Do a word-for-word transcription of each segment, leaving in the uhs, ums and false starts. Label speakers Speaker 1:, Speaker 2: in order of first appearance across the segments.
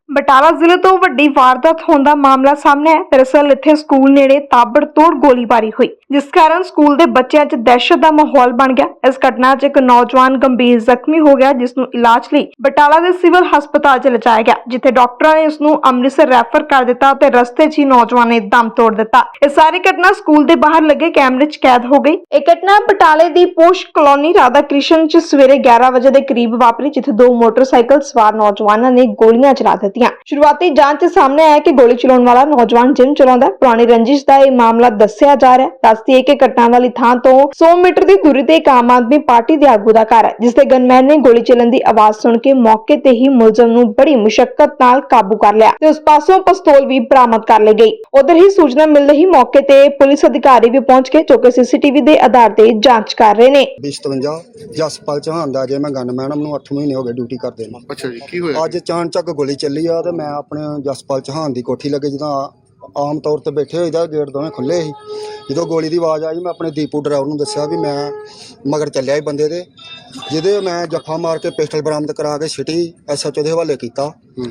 Speaker 1: ਬਟਾਲਾ ਜ਼ਿਲ੍ਹੇ ਤੋਂ ਵੱਡੀ ਵਾਰਦਾਤ ਹੋਣ ਦਾ ਮਾਮਲਾ ਸਾਹਮਣੇ ਹੈ। ਦਰਅਸਲ ਇੱਥੇ ਸਕੂਲ ਨੇੜੇ ਤਾਬੜਤੋੜ ਗੋਲੀਬਾਰੀ ਹੋਈ, ਜਿਸ ਕਾਰਨ ਸਕੂਲ ਦੇ ਬੱਚਿਆਂ 'ਚ ਦਹਿਸ਼ਤ ਦਾ ਮਾਹੌਲ ਬਣ ਗਿਆ। ਇਸ ਘਟਨਾ 'ਚ ਇੱਕ ਨੌਜਵਾਨ ਗੰਭੀਰ ਜ਼ਖਮੀ ਹੋ ਗਿਆ, ਜਿਸ ਨੂੰ ਇਲਾਜ ਲਈ ਬਟਾਲਾ ਦੇ ਸਿਵਲ ਹਸਪਤਾਲ 'ਚ ਲਿਜਾਇਆ ਗਿਆ, ਜਿੱਥੇ ਡਾਕਟਰਾਂ ਨੇ ਉਸ ਨੂੰ ਅੰਮ੍ਰਿਤਸਰ ਰੈਫਰ ਕਰ ਦਿੱਤਾ ਤੇ ਰਸਤੇ 'ਚ ਹੀ ਨੌਜਵਾਨ ਨੇ ਦਮ ਤੋੜ ਦਿੱਤਾ। ਇਹ ਸਾਰੀ ਘਟਨਾ ਸਕੂਲ ਦੇ ਬਾਹਰ ਲੱਗੇ ਕੈਮਰੇ 'ਚ ਕੈਦ ਹੋ ਗਈ। ਇਹ ਘਟਨਾ ਬਟਾਲੇ ਦੀ ਪੋਸ਼ ਕਲੋਨੀ ਰਾਧਾ ਕ੍ਰਿਸ਼ਨ 'ਚ ਸਵੇਰੇ ਗਿਆਰਾਂ ਵਜੇ ਦੇ ਕਰੀਬ ਵਾਪਰੀ, ਜਿੱਥੇ ਦੋ ਮੋਟਰਸਾਈਕਲ ਸਵਾਰ ਨੌਜਵਾਨਾਂ ਨੇ ਗੋਲੀਆਂ ਚਲਾ ਦਿੱਤੀਆਂ। शुरुआती जांच सामने आया कि गोली चलाने वाला नौजवान जिम चलाਉਂਦਾ पुरानी रंजिश का यह मामला दस्सिया जा रहा है। दस दिए कि घटना वाली थां तो सौ मीटर की दूरी ते एक आम आदमी पार्टी के आगू का घर है, जिसके गनमैन ने गोली चलन की आवाज सुन के मौके ते ही मुलजम नूं बड़ी मुशक्कत नाल काबू कर लिया ते उस पासों पिस्तौल भी बरामद कर ली गई। उधर ही सूचना मिलते ही मौके ते पुलिस अधिकारी भी पहुंच गए, जो कि सीसीटीवी के आधार ते जांच कर रहे ने।
Speaker 2: सतवंजा जसपाल चौहान दा जे मैं गनमैन नूं अठ महीने हो गए ड्यूटी करदे नूं।
Speaker 3: अच्छा जी, की होया?
Speaker 2: अज अचानक गोली चली आ ते मैं अपने जसपाल चौहान की कोठी लगे जिदा आम तौर पर बैठे हुए गेट दोवें खुले ही, जो गोली की आवाज़ आई मैं अपने दीपू ड्राइवर को दस्या भी मैं मगर चलिया ही बंदे दे, जिदे मैं जफा मार के पिस्टल बरामद करा के सिटी एस एच ओ के हवाले किया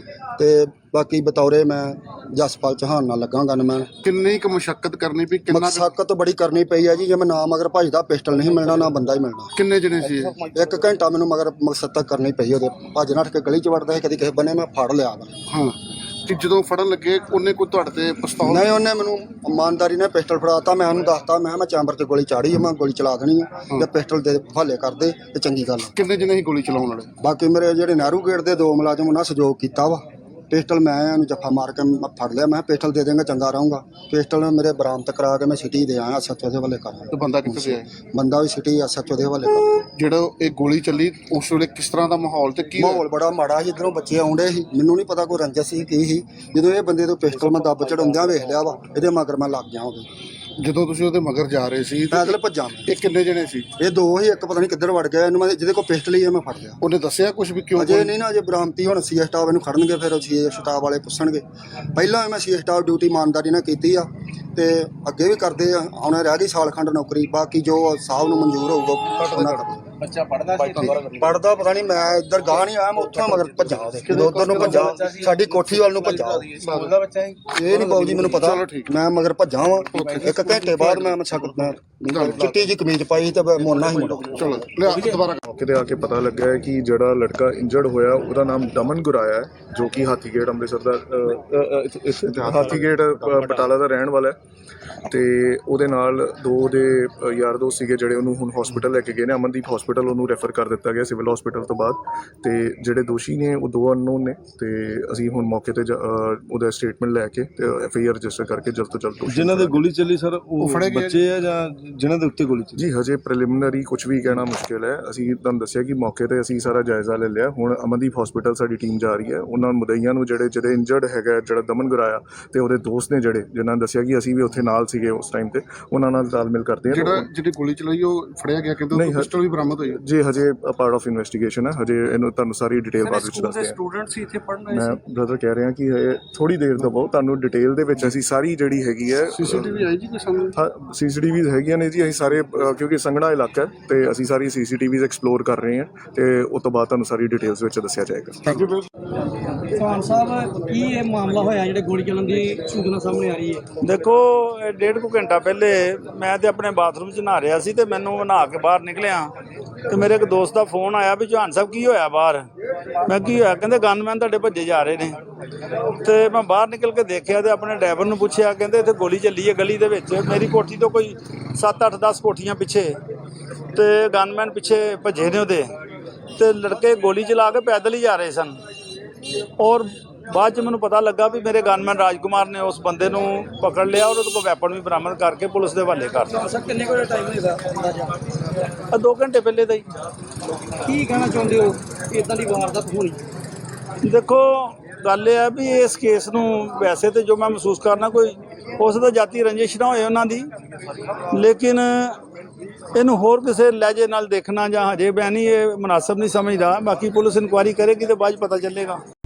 Speaker 2: ते बाकी बतौरे मैं जसपाल चौहान नाल लगा गनमैन।
Speaker 3: किन्नी क मुशक्कत करनी पई? किन्ना
Speaker 2: मुशक्कत बड़ी करनी पई है जी, जे मैं ना मगर भजदा पिस्टल नहीं मिलना ना बंदा ही मिलना।
Speaker 3: किन्ने जने सी?
Speaker 2: एक घंटा मैनू मगर मकसद तक करनी पई ओहदे भज नठ के गली च वड़दा कदी किसी बने मैं फड़ लिया।
Speaker 3: हाँ कि जो फड़न लगे उन्हें कोई तुहाडे ते पिस्तौल
Speaker 2: नहीं, उन्हें मैनू ईमानदारी ने पिस्टल फड़ाता, मैं उन्होंने दसता मैं मैं चैंबर से गोली चाड़ी है, मैं गोली चला देनी है, जे पिस्टल दे हवाले कर दे तो चंगी गल।
Speaker 3: किन्ने जने ही गोली चलाउण वाले?
Speaker 2: बाकी मेरे जेहड़े नेहरू गेट के दो मुलाजम उन्हें सहयोग किया वा, पिस्टल मैं जफा मार के फड़ लिया, मैं पिस्टल दे देंगे चंगा रहूँगा। पिस्टल मेरे बरामद करा के मैं सिटी दे आया एस एच ओ के हवाले कर।
Speaker 3: तो बंदा कित्थे से आया?
Speaker 2: बंदा भी सिटी एस एच ओ के हवाले कर।
Speaker 3: ਜਿਹੜਾ ਇਹ ਗੋਲੀ ਚੱਲੀ ਉਸ ਵੇਲੇ ਕਿਸ ਤਰ੍ਹਾਂ ਦਾ ਮਾਹੌਲ ਤੇ ਕੀ
Speaker 2: ਮਾਹੌਲ ਬੜਾ ਮਾੜਾ ਸੀ, ਇਧਰੋਂ ਬੱਚੇ ਆਉਂਦੇ ਸੀ, ਮੈਨੂੰ ਨਹੀਂ ਪਤਾ ਕੋਈ ਰੰਜਸ ਸੀ ਕੀ ਸੀ। ਜਦੋਂ ਇਹ ਬੰਦੇ ਤੋਂ ਪਿਸਟਲ ਮੈਂ ਦੱਬ ਚੜਾਉਂਦਿਆਂ ਵੇਖ ਲਿਆ ਵਾ, ਇਹਦੇ ਮਗਰ ਮੈਂ ਲੱਗ ਗਿਆ ਉਹਦੇ।
Speaker 3: ਜਦੋਂ ਤੁਸੀਂ ਉਹਦੇ ਮਗਰ ਜਾ ਰਹੇ ਸੀ
Speaker 2: ਪੈਦਲ ਭੱਜਾਂ।
Speaker 3: ਇਹ ਕਿੰਨੇ ਜਣੇ ਸੀ?
Speaker 2: ਇਹ ਦੋ ਹੀ, ਇੱਕ ਪਤਾ ਨਹੀਂ ਕਿੱਧਰ ਵੜ ਗਿਆ, ਇਹਨੂੰ ਮੈਂ ਜਿਹਦੇ ਕੋਲ ਪਿਸਟਲ ਹੀ ਮੈਂ ਫੜ ਲਿਆ।
Speaker 3: ਉਹਨੇ ਦੱਸਿਆ ਕੁਝ ਵੀ ਕਿਉਂ?
Speaker 2: ਅਜੇ ਨਹੀਂ ਨਾ, ਅਜੇ ਬਰਾਮਤੀ ਹੁਣ ਸੀ ਸਟਾਫ ਇਹਨੂੰ ਖੜਨਗੇ, ਫਿਰ ਸੀ ਸਟਾਫ ਵਾਲੇ ਪੁੱਛਣਗੇ। ਪਹਿਲਾਂ ਮੈਂ ਸੀ ਸਟਾਫ ਡਿਊਟੀ ਇਮਾਨਦਾਰੀ ਨਾਲ ਕੀਤੀ ਆ ਤੇ ਅੱਗੇ ਵੀ ਕਰਦੇ ਆ, ਆਉਣੇ ਰਹਿ ਗਈ ਸਾਲ ਖੰਡ ਨੌਕਰੀ, ਬਾਕੀ ਜੋ ਸਾਹਿਬ ਨੂੰ ਮਨਜ਼ੂਰ ਹੋਊਗਾ ਉਹਨਾਂ ਕਰਨਾ।
Speaker 3: ਬੱਚਾ ਪੜਦਾ ਸੀ?
Speaker 2: ਪੜਦਾ ਪਤਾ ਨਹੀਂ, ਮੈਂ ਇੱਧਰ ਗਾਹ ਨਹੀਂ ਆਇਆ, ਮੈਂ ਉੱਥੋਂ ਮਗਰ ਭੱਜਾ ਉਹਦੇ, ਜਦੋਂ ਉੱਧਰ ਨੂੰ ਭੱਜਾ ਸਾਡੀ ਕੋਠੀ ਵੱਲ ਨੂੰ ਭੱਜਾ।
Speaker 3: ਸਕੂਲ ਦਾ ਬੱਚਾ ਹੀ?
Speaker 2: ਇਹ ਨਹੀਂ ਬਾਊ ਜੀ ਮੈਨੂੰ ਪਤਾ, ਮੈਂ ਮਗਰ ਭੱਜਾ ਵਾਂ। ਇੱਕ ਘੰਟੇ ਬਾਅਦ ਮੈਂ ਮੈਂ ਚਿੱਟੀ ਜੀ ਕਮੀਜ਼ ਪਾਈ ਤੇ ਮੋਨਾ ਹੀ ਮੁੰਡਾ।
Speaker 3: ਚਲੋ ਲਿਆ ਦੁਬਾਰਾ।
Speaker 4: मौके ਤੇ ਆ ਕੇ ਪਤਾ ਲੱਗਾ ਹੈ ਕਿ ਜਿਹੜਾ ਲੜਕਾ ਇੰਜਰਡ ਹੋਇਆ ਉਹਦਾ ਨਾਮ ਦਮਨ ਗੁਰਾਇਆ ਹੈ, ਜੋ ਕਿ ਹਾਥੀਗੇਟ ਅੰਮ੍ਰਿਤਸਰ ਦਾ ਹਾਥੀਗੇਟ ਬਟਾਲਾ ਦਾ ਰਹਿਣ ਵਾਲਾ ਹੈ। ਤੇ ਉਹਦੇ ਨਾਲ ਦੋ ਦੇ ਯਾਰ ਦੋਸਤ ਸੀਗੇ ਜਿਹੜੇ ਉਹਨੂੰ ਹੁਣ ਹਸਪੀਟਲ ਲੈ ਕੇ ਗਏ ਨੇ, ਅਮਨਦੀਪ ਹਸਪੀਟਲ ਉਹਨੂੰ ਰੈਫਰ ਕਰ ਦਿੱਤਾ ਗਿਆ ਸਿਵਲ ਹਸਪੀਟਲ ਤੋਂ ਬਾਅਦ। ਤੇ ਜਿਹੜੇ ਦੋਸ਼ੀ ਨੇ ਉਹ ਦੋ ਅਨਨੋਨ ਨੇ ਤੇ ਅਸੀਂ ਹੁਣ ਮੌਕੇ ਤੇ ਉਹਦਾ ਸਟੇਟਮੈਂਟ ਲੈ ਕੇ ਤੇ ਐਫ ਆਈ ਆਰ ਰਜਿਸਟਰ ਕਰਕੇ ਜਲਦ ਤੋਂ ਜਲਦ।
Speaker 5: ਜਿਨ੍ਹਾਂ ਦੇ ਗੋਲੀ ਚੱਲੀ ਸਰ ਉਹ ਬੱਚੇ ਆ ਜਾਂ ਜਿਨ੍ਹਾਂ ਦੇ ਉੱਤੇ ਗੋਲੀ ਚੱਲੀ?
Speaker 4: ਜੀ ਹਜੇ ਪ੍ਰੀਲਿਮਿਨਰੀ ਕੁਝ ਵੀ ਕਹਿਣਾ ਮੁਸ਼ਕਿਲ ਹੈ। ਅਸੀਂ ਤੁਹਾਨੂੰ ਦੱਸਿਆ ਕਿ ਮੌਕੇ ਤੇ ਅਸੀਂ ਸਾਰਾ ਜਾਇਜ਼ਾ ਲੈ ਲਿਆ। ਹੁਣ ਅਮਨਦੀਪ ਹਸਪੀਟਲ ਸਾਡੀ ਟੀਮ ਜਾ ਰਹੀ ਹੈ, ਉਹਨਾਂ ਮੁਦਈਆਂ ਨੂੰ ਜਿਹੜੇ ਜਿਹੜੇ ਇੰਜਰਡ ਹੈਗਾ, ਜਿਹੜਾ ਦਮਨ ਗੁਰਾਇਆ ਤੇ ਉਹਦੇ ਦੋਸਤ ਨੇ ਜਿਹੜੇ ਜਿਨ੍ਹਾਂ ਨੇ ਦੱਸਿਆ ਕਿ ਅਸੀਂ ਵੀ ਉੱਥੇ ਨਾਲ ਸੀਗੇ ਉਸ ਟਾਈਮ ਤੇ, ਉਹਨਾਂ ਨਾਲ ਤਾਲਮੇਲ ਕਰਦੇ ਹਾਂ।
Speaker 3: ਜਿਹੜਾ ਜਿਹੜੀ ਗੋਲੀ ਚਲਾਈ ਉਹ ਫੜਿਆ ਗਿਆ, ਕਹਿੰਦੇ ਪਿਸਟਲ ਵੀ ਬਰਾਮਦ ਹੋਈ?
Speaker 4: ਜੀ ਹਜੇ ਪਾਰਟ ਆਫ ਇਨਵੈਸਟੀਗੇਸ਼ਨ ਹੈ, ਹਜੇ ਇਹਨੂੰ ਤੁਹਾਨੂੰ ਸਾਰੀ ਡਿਟੇਲ ਬਾਅਦ ਵਿੱਚ ਦੱਸਦੇ ਹਾਂ।
Speaker 6: ਸਟੂਡੈਂਟ ਸੀ ਇੱਥੇ ਪੜ੍ਹਨ ਆਏ
Speaker 4: ਮੈਂ ਬ੍ਰਦਰ ਕਹਿ ਰਿਹਾ ਕਿ ਥੋੜੀ ਦੇਰ ਦਵੋ, ਤੁਹਾਨੂੰ ਡਿਟੇਲ ਦੇ ਵਿੱਚ ਅਸੀਂ ਸਾਰੀ ਜਿਹੜੀ ਹੈਗੀ ਹੈ
Speaker 3: ਸੀਸੀਟੀਵੀ ਆਈ ਜੀ ਕੋਈ ਸਾਹਮਣੇ?
Speaker 4: ਹਾਂ ਸੀਸੀਟੀਵੀਜ਼ ਹੈਗੀਆਂ ਨੇ ਜੀ, ਅਸੀਂ ਸਾਰੇ ਕਿਉਂਕਿ ਸੰਘਣਾ ਇਲਾਕਾ ਹੈ ਤੇ ਅਸੀਂ ਸਾਰੀ ਸੀਸੀਟੀਵੀਜ਼ ਐਕਸਪਲੋਰ ਕਰ ਰਹੇ ਹਾਂ ਤੇ ਉਸ ਤੋਂ ਬਾਅਦ ਤੁਹਾਨੂੰ ਸਾਰੀ ਡਿਟੇਲਸ ਵਿੱਚ ਦੱਸਿਆ ਜਾਏਗਾ।
Speaker 3: Thank you.
Speaker 6: ਚੌਹਾਨ ਸਾਹਿਬ, ਕੀ ਇਹ ਮਾਮਲਾ ਹੋਇਆ ਜਿਹੜੇ ਗੋਲੀ ਚੱਲਣ ਦੀ ਸੂਚਨਾ ਸਾਹਮਣੇ ਆ ਰਹੀ ਹੈ?
Speaker 7: ਦੇਖੋ ਇਹ ਡੇਢ ਕੁ ਘੰਟਾ ਪਹਿਲੇ ਮੈਂ ਤੇ ਆਪਣੇ ਬਾਥਰੂਮ 'ਚ ਨਹਾ ਰਿਹਾ ਸੀ ਤੇ ਮੈਨੂੰ ਨਹਾ ਕੇ ਬਾਹਰ ਨਿਕਲਿਆ ਤੇ ਮੇਰੇ ਇੱਕ ਦੋਸਤ ਦਾ ਫੋਨ ਆਇਆ ਵੀ ਚੌਹਾਨ ਸਾਹਿਬ ਕੀ ਹੋਇਆ ਬਾਹਰ। ਮੈਂ ਕੀ ਹੋਇਆ? ਕਹਿੰਦੇ ਗਨਮੈਨ ਤੁਹਾਡੇ ਭੱਜੇ ਜਾ ਰਹੇ ਨੇ। ਤੇ ਮੈਂ ਬਾਹਰ ਨਿਕਲ ਕੇ ਦੇਖਿਆ ਤੇ ਆਪਣੇ ਡਰਾਈਵਰ ਨੂੰ ਪੁੱਛਿਆ, ਕਹਿੰਦੇ ਇੱਥੇ ਗੋਲੀ ਚੱਲੀ ਹੈ ਗਲੀ ਦੇ ਵਿੱਚ। ਮੇਰੀ ਕੋਠੀ ਤੋਂ ਕੋਈ ਸੱਤ ਅੱਠ ਦਸ ਕੋਠੀਆਂ ਪਿੱਛੇ ਤੇ ਗਨਮੈਨ ਪਿੱਛੇ ਭੱਜੇ ਨੇ ਉਹਦੇ, ਤੇ ਲੜਕੇ ਗੋਲੀ ਚਲਾ ਕੇ ਪੈਦਲ ਹੀ ਜਾ ਰਹੇ ਸਨ। ਔਰ ਬਾਅਦ 'ਚ ਮੈਨੂੰ ਪਤਾ ਲੱਗਾ ਵੀ ਮੇਰੇ ਗਨਮੈਨ ਰਾਜਕੁਮਾਰ ਨੇ ਉਸ ਬੰਦੇ ਨੂੰ ਪਕੜ ਲਿਆ ਔਰ ਉਹਦੇ ਕੋਲ ਵੈਪਨ ਵੀ ਬਰਾਮਦ ਕਰਕੇ ਪੁਲਿਸ ਦੇ ਹਵਾਲੇ ਕਰ ਦਿੱਤਾ।
Speaker 6: ਸਰ ਕਿੰਨੇ ਕੋਲ ਟਾਈਮ ਹੋਏਗਾ ਅੰਦਾਜ਼ਾ?
Speaker 7: ਆ ਦੋ ਘੰਟੇ ਪਹਿਲੇ ਦਾ ਹੀ।
Speaker 6: ਕੀ ਕਹਿਣਾ ਚਾਹੁੰਦੇ ਹੋ ਇੱਦਾਂ ਦੀ ਵਾਰਦਾਤ ਹੋਣੀ?
Speaker 7: ਦੇਖੋ ਗੱਲ ਇਹ ਹੈ ਵੀ ਇਸ ਕੇਸ ਨੂੰ ਵੈਸੇ ਤਾਂ ਜੋ ਮੈਂ ਮਹਿਸੂਸ ਕਰਨਾ ਕੋਈ ਉਸ ਦਾ ਜਾਤੀ ਰੰਜਿਸ਼ ਨਾ ਹੋਏ ਉਹਨਾਂ ਦੀ, ਲੇਕਿਨ ਇਹਨੂੰ ਹੋਰ ਕਿਸੇ ਲਹਿਜੇ ਨਾਲ ਦੇਖਣਾ ਜਾਂ ਹਜੇ ਮੈਂ ਨਹੀਂ ਇਹ ਮੁਨਾਸਬ ਨਹੀਂ ਸਮਝਦਾ। ਬਾਕੀ ਪੁਲਿਸ ਇਨਕੁਆਇਰੀ ਕਰੇਗੀ ਤੇ ਬਾਅਦ 'ਚ ਪਤਾ ਚੱਲੇਗਾ।